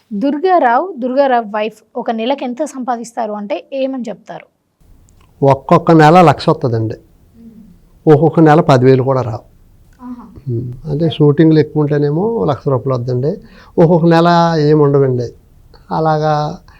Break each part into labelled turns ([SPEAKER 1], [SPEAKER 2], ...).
[SPEAKER 1] Durgarao wife ఒక నెలకు ఎంత సంపాదిస్తారు అంటే ఏమని చెప్తారు?
[SPEAKER 2] ఒక్కొక్క నెల 1,00,000 వస్తుందండి. ఒక్కొక్క నెల 10,000 కూడా రావు. అంటే షూటింగ్లు ఎక్కువ ఉంటేనేమో ₹1,00,000 వద్దండి. ఒక్కొక్క నెల ఏముండవండి. అలాగా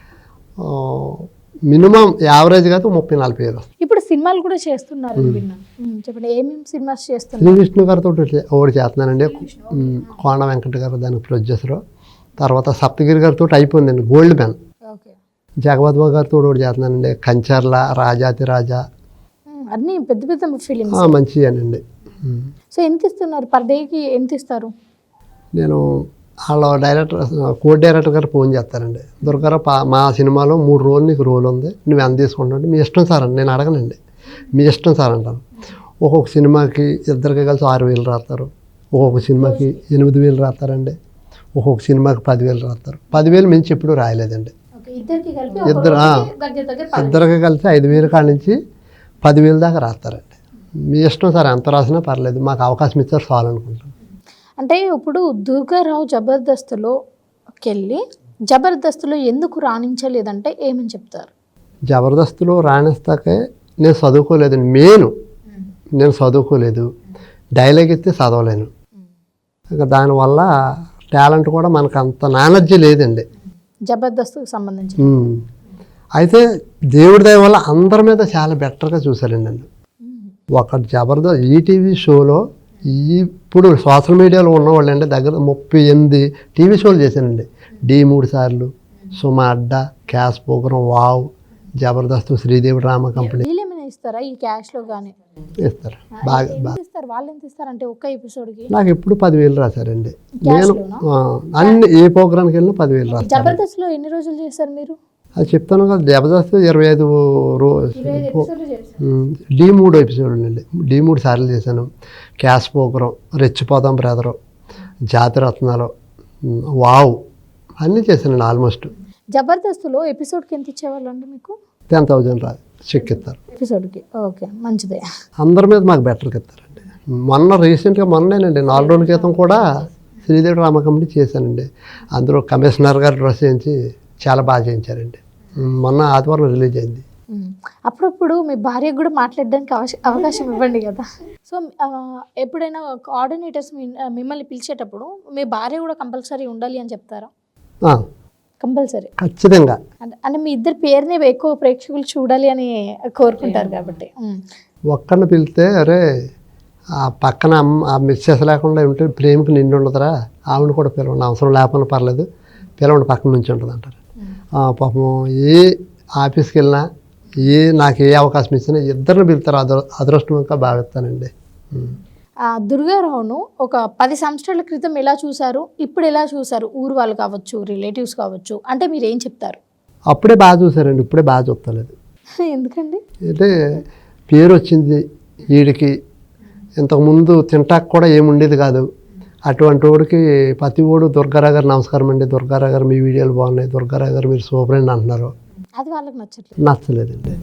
[SPEAKER 2] మినిమం యావరేజ్గా అయితే 30,000-40,000 వస్తుంది.
[SPEAKER 1] ఇప్పుడు సినిమాలు కూడా చేస్తున్నారు చెప్పండి, ఏమేమి సినిమాస్ చేస్తున్నారు?
[SPEAKER 2] శ్రీ విష్ణు గారితో ఒకటి చేస్తున్నానండి. కోన వెంకట గారు దానికి ప్రొడ్యూసరు. తర్వాత సప్తగిరి గారితో అయిపోయిందండి గోల్డ్ మ్యాన్. జగపతిబాబు గారితో ఒకటి చేస్తున్నానండి. కంచర్ల, రాజాతి రాజా,
[SPEAKER 1] అన్నీ పెద్ద పెద్ద ఫిలిమ్స్
[SPEAKER 2] మంచిగానండి.
[SPEAKER 1] సో ఎంత ఇస్తున్నారు పర్ డేకి? ఎంత ఇస్తారు?
[SPEAKER 2] నేను వాళ్ళ కో డైరెక్టర్ గారు ఫోన్ చేస్తారండి. దుర్గారావు మా సినిమాలో 3 రోజులు నీకు రోల్ ఉంది, నువ్వు ఎంత తీసుకుంటావు? మీ ఇష్టం సార్ అని నేను అడగనండి. మీ ఇష్టం సార్ అంటాను. ఒక్కొక్క సినిమాకి ఇద్దరికి కలిసి 6,000 రాస్తారు. ఒక్కొక్క సినిమాకి 8,000 రాస్తారండి. ఒక్కొక్క సినిమాకి 10,000 రాస్తారు. 10,000 మించి ఎప్పుడు రాయలేదండి. ఇద్దరికి కలిసి 5,000 కాడ నుంచి 10,000 దాకా రాస్తారండి. మీ ఇష్టం సార్, ఎంత రాసినా పర్లేదు, మాకు అవకాశం ఇచ్చారు చాలు అనుకుంటాను.
[SPEAKER 1] అంటే ఇప్పుడు దుర్గారావు జబర్దస్త్లోకి వెళ్ళి జబర్దస్త్లో ఎందుకు రాణించలేదంటే ఏమని చెప్తారు?
[SPEAKER 2] జబర్దస్త్లో రాణిస్తాకే నేను చదువుకోలేదండి. నేను చదువుకోలేదు. డైలాగ్ ఇస్తే చదవలేను. ఇంకా దానివల్ల టాలెంట్ కూడా మనకు అంత నాలెడ్జ్ లేదండి
[SPEAKER 1] జబర్దస్త్కి సంబంధించి.
[SPEAKER 2] అయితే దేవుడి దయ వల్ల అందరి మీద చాలా బెటర్గా చూశారండి నన్ను. ఒక జబర్దస్త్ ఈటీవీ షోలో ఇప్పుడు సోషల్ మీడియాలో ఉన్నవాళ్ళు అండి దగ్గర 38 టీవీ షోలు చేశానండి. డి 3 సార్లు, Suma Adda, cash program, wow, Jabardasth, Sridevi drama company.
[SPEAKER 1] ఇస్తారా ఈ క్యాష్లో కానీ?
[SPEAKER 2] ఇస్తారు బాగా.
[SPEAKER 1] వాళ్ళు ఎంత ఇస్తారు అంటే ఒక్క ఎపిసోడ్కి?
[SPEAKER 2] నాకు ఎప్పుడు 10,000 రాశారండి. నేను అన్ని ఏ ప్రోగ్రామ్కి వెళ్ళినా 10,000 రాశాను.
[SPEAKER 1] జబర్దస్త్లో ఎన్ని రోజులు చేశారు మీరు?
[SPEAKER 2] అది చెప్తాను కదా, జబర్దస్త్ 25 రోజు డి 3 ఎపిసోడ్లు అండి. డి 3 సార్లు చేశాను. క్యాష్ ప్రోగ్రాం, రెచ్చిపోదాం బ్రదరు, జాతిరత్నాలు, వావ్ అన్నీ చేశానండి ఆల్మోస్ట్.
[SPEAKER 1] జబర్దస్త్లో ఎపిసోడ్కి ఎంత ఇచ్చేవాళ్ళు అండి మీకు?
[SPEAKER 2] 10,000 రాదు చెక్ ఇస్తారు
[SPEAKER 1] ఎపిసోడ్కి. ఓకే, మంచిదే.
[SPEAKER 2] అందరి మీద మాకు బెటర్గా ఇస్తారండి. మొన్నేనండి 4 రోజుల క్రితం కూడా శ్రీదేవి డ్రామా కంపెనీ చేశానండి. అందులో కమిషనర్ గారు డ్రెస్ చేయించి చాలా బాగా చేయించారండి. మొన్న ఆదివారం రిలీజ్ అయింది.
[SPEAKER 1] అప్పుడప్పుడు మీ భార్యకు కూడా మాట్లాడడానికి అవకాశం ఇవ్వండి కదా. సో ఎప్పుడైనా కోఆర్డినేటర్స్ మిమ్మల్ని పిలిచేటప్పుడు మీ భార్య కూడా కంపల్సరీ ఉండాలి అని చెప్తారా? కంపల్సరీ,
[SPEAKER 2] ఖచ్చితంగా.
[SPEAKER 1] అంటే మీ ఇద్దరు పేరునే ఎక్కువ ప్రేక్షకులు చూడాలి అని కోరుకుంటారు కాబట్టి.
[SPEAKER 2] ఒక్కరిని పిలిస్తే అరే ఆ పక్కన ఆ మిస్సెస్ లేకుండా ఉంటే ప్రేమకు నిండి ఉండదురా, ఆవిడ కూడా పిలవండి, అవసరం లేకపోయినా పర్లేదు, పిలవండి, పక్కన నుంచి ఉంటుంది అంటారు. పాపం ఏ ఆఫీస్కి వెళ్ళినా నాకు ఏ అవకాశం ఇచ్చినా ఇద్దరిని పిలుతారు. అదృష్టంగా భావిస్తానండి.
[SPEAKER 1] దుర్గారావును ఒక 10 సంవత్సరాల క్రితం ఎలా చూసారు, ఇప్పుడు ఎలా చూసారు? ఊరు వాళ్ళు కావచ్చు, రిలేటివ్స్ కావచ్చు, అంటే మీరు ఏం చెప్తారు?
[SPEAKER 2] అప్పుడే బాగా చూసారండి, ఇప్పుడే బాగా చూస్తలేదు.
[SPEAKER 1] ఎందుకండి?
[SPEAKER 2] అంటే పేరు వచ్చింది వీడికి. ఇంతకుముందు తింటాక కూడా ఏముండేది కాదు. అటువంటి వాడికి ప్రతి ఓడు దుర్గారావు గారు నమస్కారం అండి, దుర్గారావు గారు మీ వీడియోలు బాగున్నాయి, దుర్గారావు గారు మీరు సూపర్ అండి అంటున్నారు.
[SPEAKER 1] అది వాళ్ళకి
[SPEAKER 2] నచ్చలేదండి.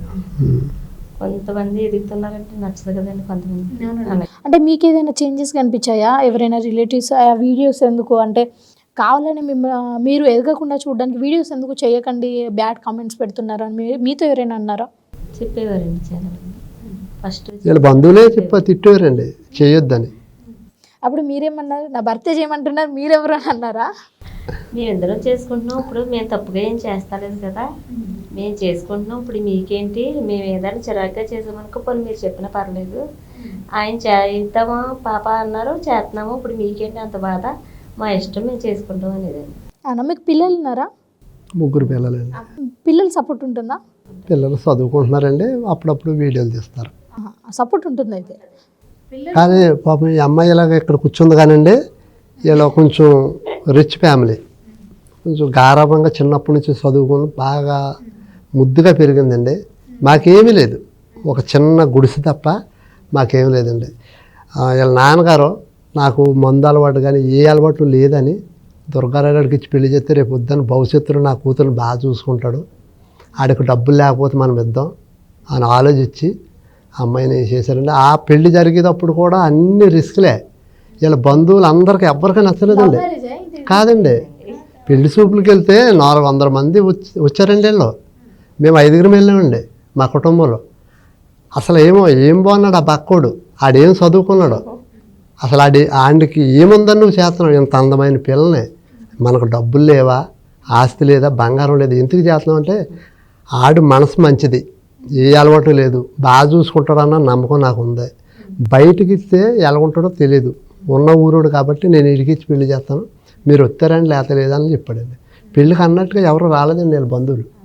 [SPEAKER 3] కొంతమంది ఎదుగుతున్నారంటే నచ్చదు కదండి కొంతమంది.
[SPEAKER 1] అంటే మీకు ఏదైనా చేంజెస్ కనిపించాయా? ఎవరైనా రిలేటివ్స్ ఆ వీడియోస్ ఎందుకు అంటే కావాలని మీరు ఎదగకుండా చూడడానికి వీడియోస్ ఎందుకు చేయకండి, బ్యాడ్ కామెంట్స్ పెడుతున్నారు అని మీతో ఎవరైనా అన్నారా?
[SPEAKER 3] చెప్పేవారండి చాలా. ఫస్ట్
[SPEAKER 2] వీళ్ళ బంధువులే తిట్టేవారండి చేయొద్దని.
[SPEAKER 1] అప్పుడు మీరేమన్నారు? నా భర్త చేయమంటున్నారు, మీరెవరు అని అన్నారా?
[SPEAKER 3] మేమిద్దరం చేసుకుంటున్నాం, ఇప్పుడు మేము తప్పుగా ఏం చేస్తలేదు కదా, మేము చేసుకుంటున్నాం, ఇప్పుడు మీకేంటి, మేము ఏదైనా చిరాగ్గా చేసామనుకో పోనీ మీరు చెప్పినా పర్లేదు, ఆయన చేద్దామా పాప అన్నారు, చేస్తున్నాము, ఇప్పుడు మీకేంటి అంత బాధ, మా ఇష్టం మేము చేసుకుంటాం అనేదండి.
[SPEAKER 1] అవునా? మీకు పిల్లలు ఉన్నారా?
[SPEAKER 2] 3 పిల్లలండి.
[SPEAKER 1] పిల్లలు సపోర్ట్ ఉంటుందా?
[SPEAKER 2] పిల్లలు చదువుకుంటున్నారండి, అప్పుడప్పుడు వీడియోలు తీస్తారు.
[SPEAKER 1] సపోర్ట్ ఉంటుంది అయితే.
[SPEAKER 2] కానీ పాపం ఈ అమ్మాయి ఇలాగ ఇక్కడ కూర్చుంది కానండి, ఇలా కొంచెం రిచ్ ఫ్యామిలీ, కొంచెం గారాభంగా చిన్నప్పటి నుంచి చదువుకుని బాగా ముద్దుగా పెరిగిందండి. మాకేమీ లేదు, ఒక చిన్న గుడిసె తప్ప మాకేమీ లేదండి. వీళ్ళ నాన్నగారు నాకు మందు అలవాటు కానీ ఏ అలవాటు లేదని దుర్గారావు గారికి ఇచ్చి పెళ్లి చేస్తే రేపు వద్దని భవిష్యత్తులో నా కూతురు బాగా చూసుకుంటాడు, ఆడికి డబ్బులు లేకపోతే మనం ఇద్దాం అని ఆలోచించి అమ్మాయిని చేశారండి. ఆ పెళ్లి జరిగేటప్పుడు కూడా అన్ని రిస్క్లే. వీళ్ళ బంధువులు అందరికీ ఎవరికీ నచ్చలేదండి. కాదండి, పెళ్లి చూపులకి వెళ్తే 400 మంది వచ్చారండి వీళ్ళు. మేము 5గురం వెళ్ళామండి మా కుటుంబంలో. అసలు ఏం బాగున్నాడు ఆ పక్కోడు, ఆడేం చదువుకున్నాడు, అసలు ఆడికి ఏముందని నువ్వు చేస్తున్నావు, ఇంత అందమైన పిల్లని, మనకు డబ్బులు లేవా, ఆస్తి లేదా, బంగారం లేదు, ఎందుకు చేస్తున్నావు అంటే ఆడు మనసు మంచిది, ఏ అలవాటు లేదు, బాగా చూసుకుంటాడన్న నమ్మకం నాకు ఉంది, బయటికి ఇస్తే ఎలా ఉంటాడో తెలియదు, ఉన్న ఊరోడు కాబట్టి నేను ఇడికిచ్చి పెళ్లి చేస్తాను, మీరు వచ్చారని లేత లేదని చెప్పాడండి. పెళ్ళికి అన్నట్టుగా ఎవరు రాలేదండి వీళ్ళ బంధువులు.